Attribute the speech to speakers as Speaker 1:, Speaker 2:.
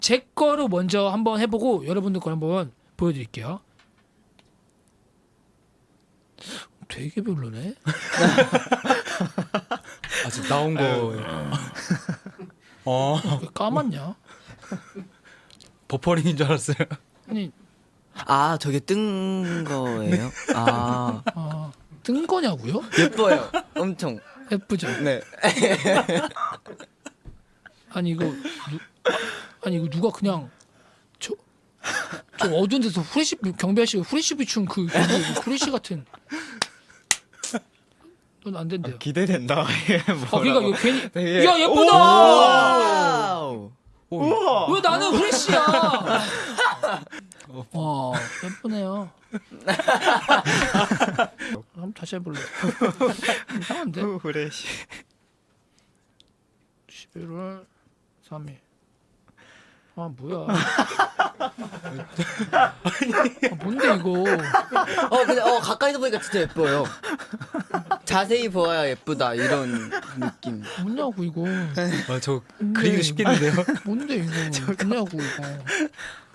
Speaker 1: 제 거로 먼저 한번 해보고 여러분들 거 한번 보여드릴게요. 되게 별로네.
Speaker 2: 아직 나온 거예요.
Speaker 1: 왜 까맣냐?
Speaker 2: 버퍼링인 줄 알았어요.
Speaker 1: 아니
Speaker 3: 아 저게 뜬 거예요? 아
Speaker 1: 뜬 거냐고요?
Speaker 3: 예뻐요. 엄청.
Speaker 1: 예쁘죠?
Speaker 3: 네.
Speaker 1: 아니 이거 누가 그냥 저 어두운 데서 후레쉬 경비 아저씨가 후레쉬 비춘 그 후레쉬 같은. 넌 안 된대요.
Speaker 4: 기대된다.
Speaker 1: 그러니까 이거 괜히
Speaker 4: 되게-
Speaker 1: 야 예쁘다.
Speaker 3: 와우.
Speaker 1: 왜 나는 후레쉬야? 와 예쁘네요. 한번 다시 해볼래. 이상한데?
Speaker 4: 후레쉬.
Speaker 1: 11월 3일. 아 뭐야? 뭔데 이거?
Speaker 3: 근데 가까이서 보니까 진짜 예뻐요. 자세히 보아야 예쁘다 이런 느낌.
Speaker 1: 뭐냐고 이거?
Speaker 2: 저 그리기도 쉽겠는데요.
Speaker 1: 뭔데 이거? 뭐냐고 이거?